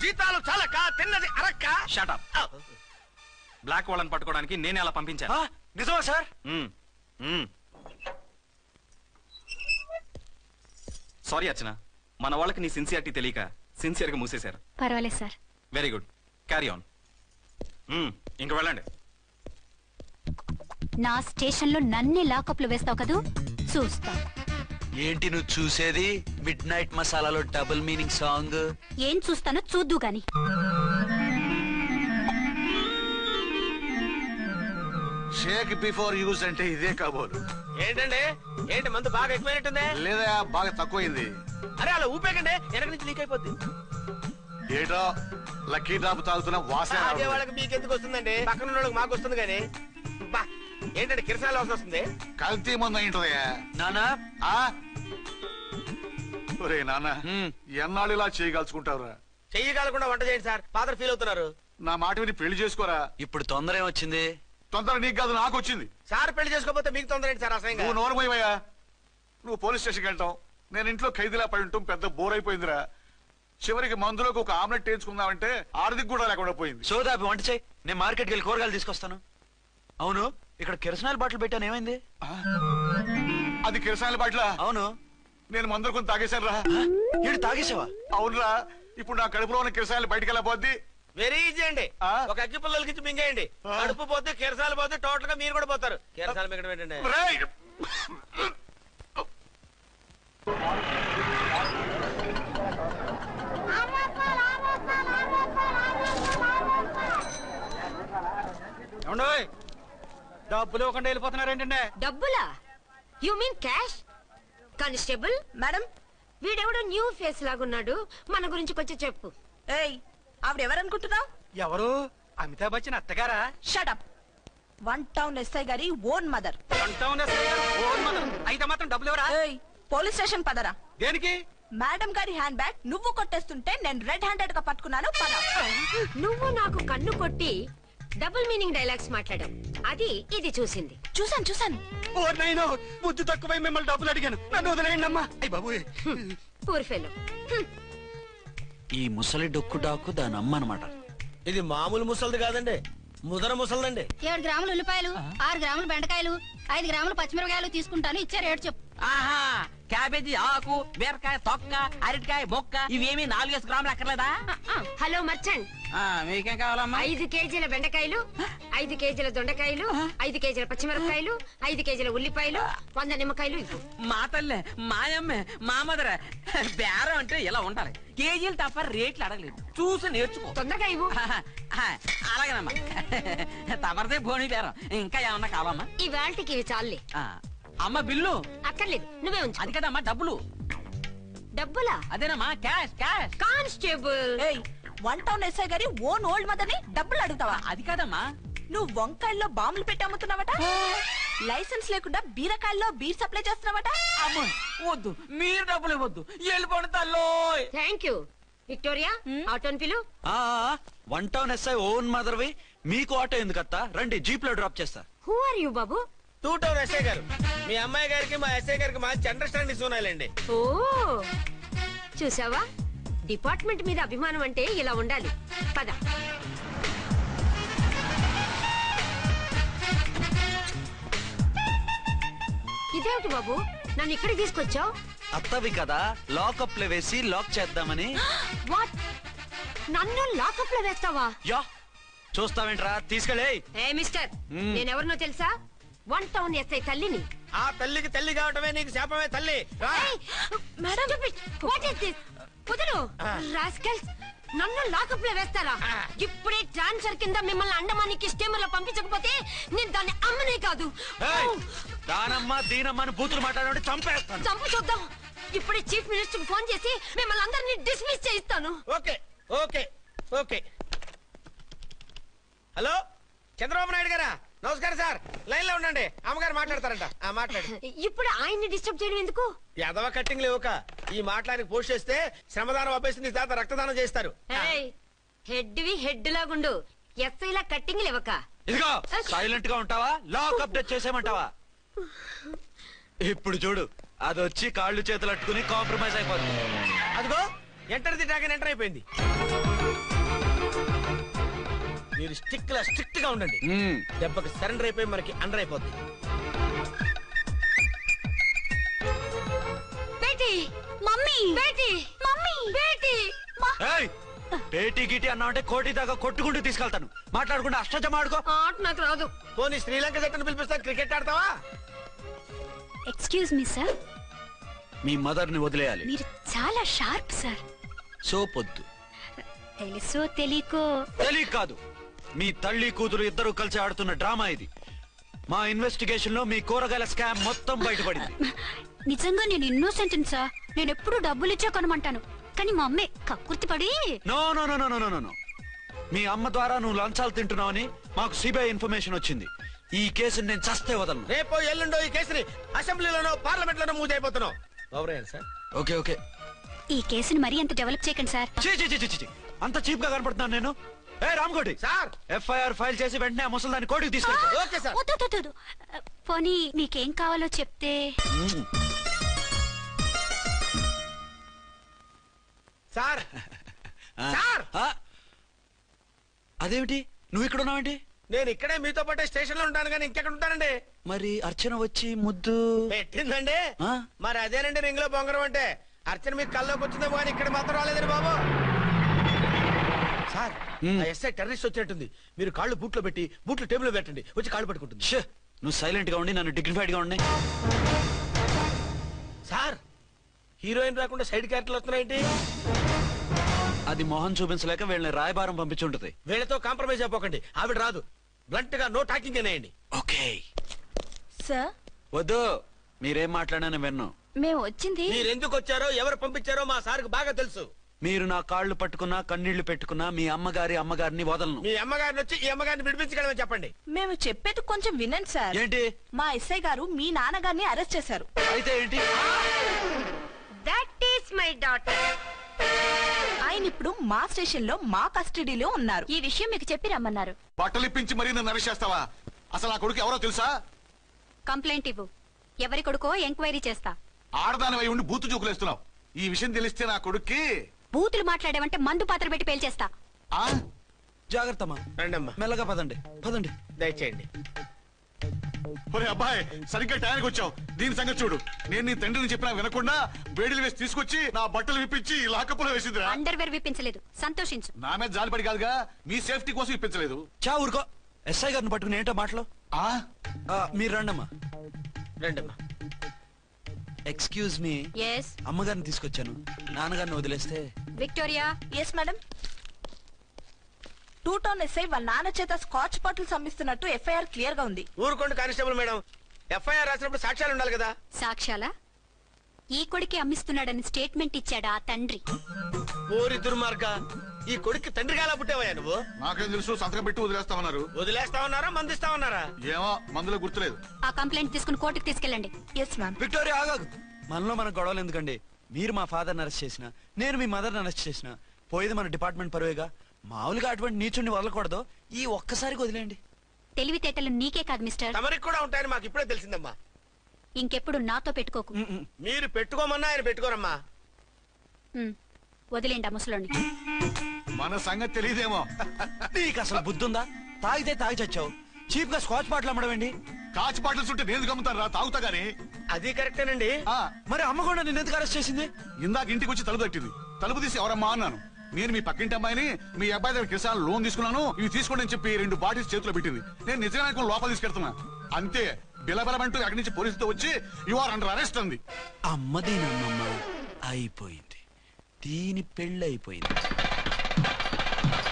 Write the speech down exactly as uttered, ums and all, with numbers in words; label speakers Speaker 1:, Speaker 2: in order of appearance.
Speaker 1: జీతాలు చాలక తిన్నది అరక్క.
Speaker 2: Shut up. బ్లాక్ వాళ్ళని పట్టుకోవడానికి నేనే అలా పంపించాను.
Speaker 1: నిజమా సార్?
Speaker 2: సారీ అర్చన, మన వాళ్ళకి నీ సిన్సియారిటీ తెలియక సిన్సియర్ గా మూసేశారు.
Speaker 3: పర్వాలేదు sir.
Speaker 2: Very good, carry on. ఇంక వెళ్ళండి.
Speaker 3: నా స్టేషన్ లో నన్నే లాకప్ లో వేస్తావు కదూ, చూస్తా.
Speaker 4: ఏంటి నువ్వు చూసేది? మిడ్ నైట్ మసాలాలో డబుల్ మీనింగ్ సాంగ్.
Speaker 3: ఏం చూస్తానో చూద్దు గాని.
Speaker 5: షేక్ బిఫోర్ యూజ్ అంటే ఇదే కాబోలు.
Speaker 1: ఏంటండి, ఏంటి మందు బాగా ఎక్కువైనట్టుంది?
Speaker 5: లేదా బాగా తక్కువైంది.
Speaker 1: అరే అలా ఊపేకండి, వెనక నుంచి లీక్ అయిపోద్ది.
Speaker 5: ఏటో లక్కీ డ్రాప్ తాగుతున్న వాసన.
Speaker 1: అదే వాళ్ళకి మీకెందుకు వస్తుందండి, పక్కన వాళ్ళకి మాకు వస్తుంది. కానీ బా ఏంటంటే కిరసాల వాసన వస్తుంది.
Speaker 5: కల్తీ మందు అయింటదయ్యా.
Speaker 4: నానా
Speaker 5: ఒరే నాన్న, ఎన్నాళ్ళు ఇలా చేయగలుచుకుంటావురా?
Speaker 1: చెయ్యగలకుండా వంట చేయండి సార్, ఫాదర్ ఫీల్ అవుతున్నారు.
Speaker 5: నా మాట విని పెళ్లి చేసుకోరా.
Speaker 4: ఇప్పుడు తొందర ఏమొచ్చింది?
Speaker 5: తొందర నీకు కాదు, నాకు వచ్చింది.
Speaker 1: సార్ పెళ్లి చేసుకోకపోతే మీకు తొందర ఏంటి సార్? అసలు
Speaker 5: నువ్వు నోరు పోయివయ్యా. నువ్వు పోలీస్ స్టేషన్కి వెళ్తావు, నేను ఇంట్లో ఖైదీలా పడి ఉంటాం. పెద్ద బోర్ అయిపోయిందిరా. చివరికి మందులోకి ఒక ఆమ్లెట్ వేయించుకుందామంటే ఆర్థిక కూడా లేకుండా పోయింది.
Speaker 4: సోదాపి వంట చేయి, నేను మార్కెట్కి వెళ్ళి కూరగాయలు తీసుకొస్తాను. అవును, ఇక్కడ కిరసనాయిల్ బాటిల్ పెట్టాను, ఏమైంది?
Speaker 5: అది కిరసనాయిల్ బాటిల్?
Speaker 4: అవును.
Speaker 5: నేను మందులు కొని తాగేశాను రా.
Speaker 4: ఏంటి తాగేసావా?
Speaker 5: అవునురా. ఇప్పుడు నా కడుపులో ఉన్న కిరసనాయిల్ బయటకు వెళ్ళబోద్ది.
Speaker 1: వెరీ ఈజీ అండి, ఒక అగ్గి పుల్లలకి మింగేయండి. కడుపు పోతే కిరసాలు పోతే టోటల్ గా మీరు కూడా పోతారు. కిరసాలు మింగడం ఏంటండి?
Speaker 2: డబ్బులు ఇవ్వకుండా వెళ్ళిపోతున్నారు ఏంటంటే?
Speaker 6: డబ్బులా? You mean cash? Constable madam, వీడెవడో న్యూ ఫేస్ లాగున్నాడు, మన గురించి కొంచెం చెప్పు.
Speaker 7: ఏయ్, ఆవిడెవరనుకుంటున్నావు?
Speaker 2: ఎవరు? అమితాబ్ బచ్చన్ అత్తగారా?
Speaker 7: షటప్. వన్ టౌన్ ఎస్ఐ గారి own mother.
Speaker 2: One town SI గారి ఓన్ మదర్ అయితే మాత్రం డబ్బులు ఎవరా?
Speaker 7: ఏయ్, పోలీస్ స్టేషన్ పదరా.
Speaker 2: దేనికి?
Speaker 7: మేడం గారి హ్యాండ్ బ్యాగ్ నువ్వు కొట్టేస్తుంటే నేను రెడ్ హ్యాండెడ్ గా పట్టుకున్నాను. పద.
Speaker 6: నువ్వు నాకు కన్ను కొట్టి డబుల్ మీనింగ్ డైలాగ్స్ మాట్లాడావు, అది ఇది చూసింది.
Speaker 7: చూసాను చూసాను.
Speaker 2: ఓ నైనో, బుద్ధి తక్కువై మిమ్మల్ని డబ్బులు అడిగాను, నన్ను వదిలేయండి అమ్మా. అయ్య బాబు,
Speaker 6: పూర్ ఫెలో.
Speaker 4: ఈ ముసలి డొక్కు డాకు దాని అమ్మ అనమాట.
Speaker 1: ఇది మామూలు ముసలిది కాదండి, ముదర ముసలిదండి.
Speaker 3: ఏడు గ్రాములు ఉల్లిపాయలు, ఆరు గ్రాములు బెండకాయలు, ఐదు గ్రాములు పచ్చిమిరపకాయలు తీసుకుంటాను. ఇచ్చే రేటు చెప్పు.
Speaker 8: ఆహా, క్యాబేజీ ఆకు, బీరకాయ తొక్క, అరటికాయ బొక్క, ఇవేమి నాలుగేసి గ్రాములు అక్కర్లేదా?
Speaker 6: హలో మర్చంట్,
Speaker 8: మీకేం కావాలమ్మా?
Speaker 6: ఐదు కేజీల బెండకాయలు, ఐదు కేజీల దొండకాయలు, ఐదు కేజీల పచ్చిమిరపకాయలు, ఐదు కేజీల ఉల్లిపాయలు, వంద నిమ్మకాయలు ఇవ్వు.
Speaker 8: మా తల్లే, మాయమ్మే, మా మదర బేరం అంటే ఇలా ఉండాలి. కేజీలు తప్ప రేట్లు అడగలేదు, చూసి నేర్చుకో.
Speaker 6: తొందరగా ఇవ్వు.
Speaker 8: అలాగేనమ్మా, తమరిదే భోని బేరం. ఇంకా ఏమన్నా కావాలమ్మా?
Speaker 6: ఈ వేల్టికి ఇవి చాలే.
Speaker 8: అమ్మ బిల్లు
Speaker 6: అక్కర్లేదు, నువ్వే ఉంచు.
Speaker 8: అది కదమ్మా డబ్బులు.
Speaker 6: డబ్బులా?
Speaker 8: అదేనమ్మా, క్యాష్ క్యాష్.
Speaker 6: కానిస్టేబుల్,
Speaker 7: ఏయ్, వన్ టౌన్ ఎస్ఐ గారి ఓన్ ఓల్డ్ మదర్ ని డబ్బులు అడుగుతావా?
Speaker 8: అది కదమ్మా,
Speaker 7: నువ్వు వంకాయల్లో బాంబులు పెట్టి అమ్ముతున్నావట, లైసెన్స్ లేకుండా బీరకాయల్లో బీర్ సప్లై చేస్తున్నావట.
Speaker 8: అమ్మో వద్దు, మీరు డబ్బులు ఇవ్వద్దు, వెళ్ళిపోండి తల్లో.
Speaker 6: Thank you. విక్టోరియా, ఆటోన్ పిలు.
Speaker 4: One town SI own mother వి, మీకు ఆటో ఎందుకత్తా? రండి, జీప్ లో డ్రాప్ చేస్తా.
Speaker 6: హూ ఆర్ యూ బాబు?
Speaker 1: టూ టౌన్ ఎస్ఐ గారు, మీ అమ్మాయి గారికి మా ఎస్ఐ గారికి మంచి అండర్స్టాండింగ్ ఉన్నాయండి.
Speaker 6: ఓ చూసావా, డిపార్ట్మెంట్ మీద అభిమానం అంటే ఇలా ఉండాలి. పద. ఇదేమిటి బాబు, నన్ను ఇక్కడికి తీసుకొచ్చావు?
Speaker 4: అత్తవి కదా, లాకప్ లో వేసి లాక్ చేద్దామని.
Speaker 6: వాట్, నన్ను లాకప్ లో వేస్తావా?
Speaker 4: యా, చూస్తావేంట్రా, తీసుకెళ్ళే.
Speaker 6: ఏ మిస్టర్, నేనెవరినో తెలుసా? వన్ టౌన్ ఎస్ఐ తల్లిని.
Speaker 1: ఆ తల్లికి తల్లి కావటమే నీకు శాపమే తల్లి.
Speaker 6: కుదురు రాస్కల్స్, నన్ను లాకప్ లో వేస్తారా? ఇప్పుడే ట్రాన్స్ఫర్ కింద మిమ్మల్ని అండమానికి స్టీమర్ లో పంపించకపోతే నేను దాన్ని అమ్మనే కాదు.
Speaker 4: దానమ్మ దీనమ్మని బూతులు మాట్లాడే చంపేస్తాను.
Speaker 6: చంపు చూద్దాం. ఇప్పుడే చీఫ్ మినిస్టర్ ఫోన్ చేసి మిమ్మల్ని అందరినీ డిస్మిస్ చేయిస్తాను.
Speaker 1: Okay okay okay. Hello, Chandrababu Naidu గారా? నమస్కారం సార్, లైన్ లో ఉండండి, అమ్మగారు మాట్లాడతారంట. మాట్లాడు.
Speaker 6: ఇప్పుడు ఆయన్ని డిస్టర్బ్ చేయడం ఎందుకు?
Speaker 1: ఎదవ కట్టింగ్ లేవుక, ఈ మాట్లాడికి పోస్ట్ చేస్తే శ్రమదానం అభ్యసి నీ తాత రక్తదానం చేస్తారు.
Speaker 6: హెడ్ వి హెడ్ లాగుండు, ఎస్ఐ లా కట్టింగ్ లేవక.
Speaker 4: ఇదిగో సైలెంట్ గా ఉంటావా, లాక్ అప్డేట్ చేసేమంటావా? ఇప్పుడు చూడు, అది వచ్చి కాళ్ళు చేతులు అట్టుకుని కాంప్రమైజ్ అయిపోతుంది.
Speaker 1: అదిగో ఎంటర్ ది డ్రాగన్ ఎంటర్ అయిపోయింది. మీరు స్టిక్ లా స్ట్రిక్ట్ గా ఉండండి. దెబ్బకి సరెండర్ అయిపోయి మనకి అండర్ అయిపోద్ది.
Speaker 6: బేటీ మమ్మీ బేటీ మమ్మీ బేటీ
Speaker 4: ఏయ్, పేటీ గిటి అన్నావంటే కోటి దాకా కొట్టుకుంటూ తీసుకెళ్తాను. మాట్లాడకుండా అష్టజమ ఆడుకో.
Speaker 6: ఆట నాకు రాదు.
Speaker 1: పోనీ శ్రీలంక జట్టును పిలిపిస్తా, క్రికెట్ ఆడతావా?
Speaker 3: ఎక్స్క్యూజ్ మీ సార్,
Speaker 4: మీ మదర్ ని వదిలేయాలి.
Speaker 3: మీరు చాలా షార్ప్ సార్.
Speaker 4: సోపొద్దు.
Speaker 3: తెలుసో తెలియకో
Speaker 4: తెలియ కాదు, మీ తల్లి కూతురు ఇద్దరు కలిసి ఆడుతున్న డ్రామా ఇది. మా ఇన్వెస్టిగేషన్ లో మీ కూరగాయల స్కామ్ మొత్తం బయటపడింది.
Speaker 3: నిజంగా నేను ఇన్నోసెంట్ సార్. నేను ఎప్పుడు డబ్బులు ఇచ్చా కొనమంటాను, కానీ మా అమ్మే కక్కుర్తి పడి.
Speaker 4: No no no no no no no మీ అమ్మ ద్వారా నువ్వు లంచాలు తింటున్నావని మాకు సిబిఐ ఇన్ఫర్మేషన్ వచ్చింది. ఈ కేసుని నేను చస్తే వదలను.
Speaker 1: రేపో ఎల్లుండో ఈ కేసుని అసెంబ్లీలోనో పార్లమెంట్ లోనో మూజ్ అయిపోతున్నావు. సార్
Speaker 4: ఓకే ఓకే,
Speaker 3: ఈ కేసుని మరీ అంత డెవలప్ చేయకండి సార్.
Speaker 4: చీ చీ చీ చీ చీ. అంత చీప్ గా కనపడుతున్నాను నేను? ఏ రామ్కోటి
Speaker 1: సార్,
Speaker 4: ఎఫ్ఐఆర్ ఫైల్ చేసి వెంటనే ఆ ముసలిదాన్ని కోర్టుకి తీసుకెళ్ళి.
Speaker 1: Okay sir.
Speaker 3: వద్దు, వద్దు, వద్దు. పోనీ మీకేం కావాలో చెప్తే.
Speaker 1: సార్ సార్,
Speaker 4: అదేమిటి నువ్వు ఇక్కడ ఉన్నావేంటి?
Speaker 1: నేను ఇక్కడే మీతో పాటే స్టేషన్ లో ఉంటాను, కానీ ఇంకెక్కడ ఉంటానండి?
Speaker 4: మరి అర్చన వచ్చి ముద్దు
Speaker 1: పెట్టిందండి.
Speaker 4: ఆ?
Speaker 1: మరి అదేనండి రింగ్ లో బొంగరం అంటే. అర్చన మీకు కల్లోకి వచ్చిందేమో కానీ ఇక్కడ మాత్రం రాలేదండి బాబు. సార్, ఆ ఎస్ఐ టెర్రరిస్ట్ వచ్చినట్టుంది. మీరు కాళ్ళు బూట్లో పెట్టి బూట్లు టేబుల్ లో పెట్టండి, వచ్చి కాళ్ళు పట్టుకుంటుంది.
Speaker 4: ష్, నువ్వు సైలెంట్ గా ఉండి నన్ను డిగ్నిఫైడ్ గా ఉండి.
Speaker 1: సార్, హీరోయిన్ రాకుండా సైడ్ క్యారెక్టర్లు వస్తున్నాయేంటి?
Speaker 4: అది మొహం చూపించలేక వీళ్ళని రాయబారం పంపించి ఉంటుంది.
Speaker 1: వీళ్ళతో కాంప్రమైజ్ అయిపోకండి. ఆవిడ రాదు. బ్లంట్ గా నో టాకింగ్ అనేయండి.
Speaker 4: ఓకే
Speaker 7: సార్
Speaker 4: వద్దు, మీరేం మాట్లాడానని విన్ను.
Speaker 3: మేము వచ్చింది.
Speaker 1: మీరు ఎందుకు వచ్చారో ఎవరు పంపించారో మా సార్కు బాగా తెలుసు.
Speaker 4: మీరు నా కాళ్ళు పట్టుకున్నా కన్నీళ్లు పెట్టుకున్నా మీ అమ్మగారి అమ్మగారిని వదలను.
Speaker 1: మీ అమ్మగారిని వచ్చి ఈ అమ్మగారిని విడిపించగలమని చెప్పండి.
Speaker 7: మేము చెప్పేది కొంచెం వినండి సార్.
Speaker 4: ఏంటి?
Speaker 7: మా ఎస్ఐ గారు మీ నాన్నగారిని అరెస్ట్ చేశారు.
Speaker 4: అయితే ఏంటి?
Speaker 6: That is my daughter.
Speaker 7: ఆయన ఇప్పుడు మా స్టేషన్ లో మా కస్టడీలో ఉన్నారు.
Speaker 3: ఈ విషయం మీకు చెప్పి రమ్మన్నారు.
Speaker 5: బట్టలు ఇప్పించి మరీ నన్ను అరెస్ట్ చేస్తావా? అసలు ఆ కొడుకు ఎవరో తెలుసా?
Speaker 3: కంప్లైంట్ ఇవ్వు. ఎవరి కొడుకో ఎంక్వైరీ చేస్తా.
Speaker 5: ఆడదానివై ఉండి బూతు చూకులేస్తున్నావు. ఈ విషయం తెలిస్తే నా కొడుక్కి
Speaker 3: బూతులు మాట్లాడేవంటే మందు పాత్ర పెట్టి పేల్చేస్తా.
Speaker 5: ఆ
Speaker 4: జాగ్రత్తమ్మా,
Speaker 1: రండమ్మా,
Speaker 4: మెల్లగా పదండి పదండి.
Speaker 1: దయచేయండి.
Speaker 5: ఒరే అబ్బాయి, సరిగ్గా టయానికి వచ్చావు. దీని సంగతి చూడు. నేను నీ తండ్రిని చెప్పినా వినకుండా వేడిలు వేసి తీసుకొచ్చి నా బట్టలు విప్పించి లాకప్పులో వేసిందిరా.
Speaker 3: అండర్వేర్ విప్పించలేదు, సంతోషించు.
Speaker 5: నా మీద జాలిపడి కాదుగా, మీ సేఫ్టీ కోసం ఇప్పించలేదు.
Speaker 4: చా ఊరుకో. ఎస్ఐ గారిని పట్టుకుని ఏంటో మాటలు.
Speaker 5: ఆ
Speaker 4: ఆ, మీరు రండమ్మా.
Speaker 1: రండమ్మా.
Speaker 4: ఎక్స్క్యూజ్ మీ,
Speaker 3: ఎస్
Speaker 4: అమ్మగారిని తీసుకొచ్చాను. నాన్నగారిని వదిలేస్తే.
Speaker 3: Victoria.
Speaker 7: Yes madam. Two town SI వాళ్ళ నాన్న చేత స్కాచ్ బాటిల్స్ అమ్మిస్తున్నట్టు ఎఫ్ఐఆర్ క్లియర్ గా ఉంది.
Speaker 1: ఊరుకోండి కానిస్టేబుల్ మేడం. ఎఫ్ఐఆర్ రాసినప్పుడు సాక్ష్యాలు ఉండాలి కదా.
Speaker 3: సాక్ష్యాలా? ఈ కొడుకే అమ్మిస్తున్నాడని స్టేట్మెంట్ ఇచ్చాడా ఆ తండ్రి?
Speaker 1: ఓరి దుర్మార్గ, ఈ కొడుక్కి తండ్రిగా ఎలా పుట్టావయ్యా నువ్వు?
Speaker 5: నాకేం తెలుసు, సంతకం పెట్టి వదిలేస్తామన్నారు.
Speaker 1: వదిలేస్తావన్నారా మందిస్తావన్నారా?
Speaker 5: ఏమో, మందులో గుర్తులేదు.
Speaker 3: ఆ కంప్లైంట్ తీసుకుని కోర్టుకు తీసుకెళ్ళండి.
Speaker 7: Yes ma'am.
Speaker 4: విక్టోరియా ఆగాగు. మనలో మన గొడవలు ఎందుకండి? మీరు మా ఫాదర్ని అరెస్ట్ చేసిన, నేను మీ మదర్ని అరెస్ట్ చేసిన, పోయేది మన డిపార్ట్మెంట్ పరువేగా. మామూలుగా అటువంటి నీచుని వదలకూడదు. ఈ ఒక్కసారికి వదిలేండి.
Speaker 3: తెలివితేటలు నీకే కాదు మిస్టర్,
Speaker 1: తమరికి కూడా ఉంటాయని మాకు ఇప్పుడే తెలిసిందమ్మా.
Speaker 3: ఇంకెప్పుడు నాతో పెట్టుకోకు.
Speaker 1: మీరు పెట్టుకోమన్నా ఆయన పెట్టుకోరమ్మా.
Speaker 3: ఉమ్, వదిలేండి ఆ ముసలోని.
Speaker 5: మన సంగతి తెలియదేమో.
Speaker 4: నీకు అసలు బుద్ధుందా? తాగితే తాగి చచ్చావు. చీప్ గా స్కాచ్ బాటిల్ అమ్మడమేంటి?
Speaker 5: కాచి బాటలు చుట్టూ నేను గమ్ముతాను రా, తాగుతా గానీ.
Speaker 1: అది కరెక్టేనండి.
Speaker 5: ఆ,
Speaker 4: మరి అమ్మ కూడా నిన్ను ఎందుకు అరెస్ట్ చేసింది?
Speaker 5: ఇందాక ఇంటికి వచ్చి తలుపు తట్టింది. తలుపు తీసి ఎవరమ్మా అన్నాను. నేను మీ పక్కింటి అమ్మాయిని, మీ అబ్బాయి దగ్గర కిసాన్ లోన్ తీసుకున్నాను, ఇవి తీసుకోండి అని చెప్పి రెండు బాటిల్స్ చేతిలో పెట్టింది. నేను నిజంగా లోపల తీసుకెళ్తున్నా. అంతే, బిలబలమంటూ అక్కడి నుంచి పోలీసుతో వచ్చి యు ఆర్ అండర్ అరెస్ట్ అంది.
Speaker 4: అమ్మది నమ్మమ్మ అయిపోయింది. దీని పెళ్ళి అయిపోయింది.